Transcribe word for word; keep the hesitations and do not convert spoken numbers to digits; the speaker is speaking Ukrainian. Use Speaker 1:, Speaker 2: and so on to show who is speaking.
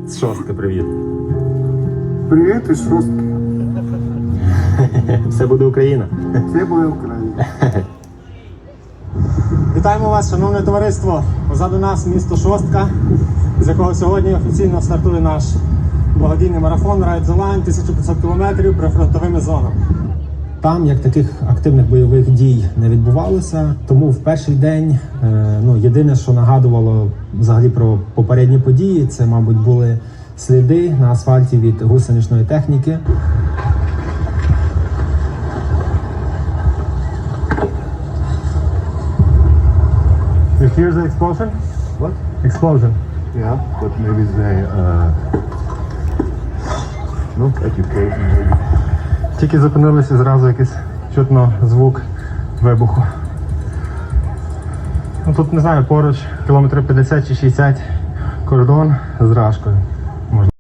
Speaker 1: З шостки привіт.
Speaker 2: Привіт із шостки.
Speaker 1: Все буде Україна.
Speaker 2: Це буде Україна.
Speaker 3: Вітаємо вас, шановне товариство! Позаду нас місто Шостка, з якого сьогодні офіційно стартує наш благодійний марафон Ride the Line, тисяча п'ятсот кілометрів прифронтовими зонами. Там, як таких активних бойових дій не відбувалося, тому в перший день е, ну, єдине, що нагадувало взагалі про попередні події, це, мабуть, були сліди на асфальті від гусеничної техніки. You hear the explosion?
Speaker 2: What?
Speaker 3: Explosion.
Speaker 2: Yeah, but maybe they uh, not education maybe.
Speaker 3: Тільки зупинилися, зразу якийсь чутно звук вибуху. Ну, тут, не знаю, поруч кілометрів п'ятдесят чи шістдесят кордон з Рашкою.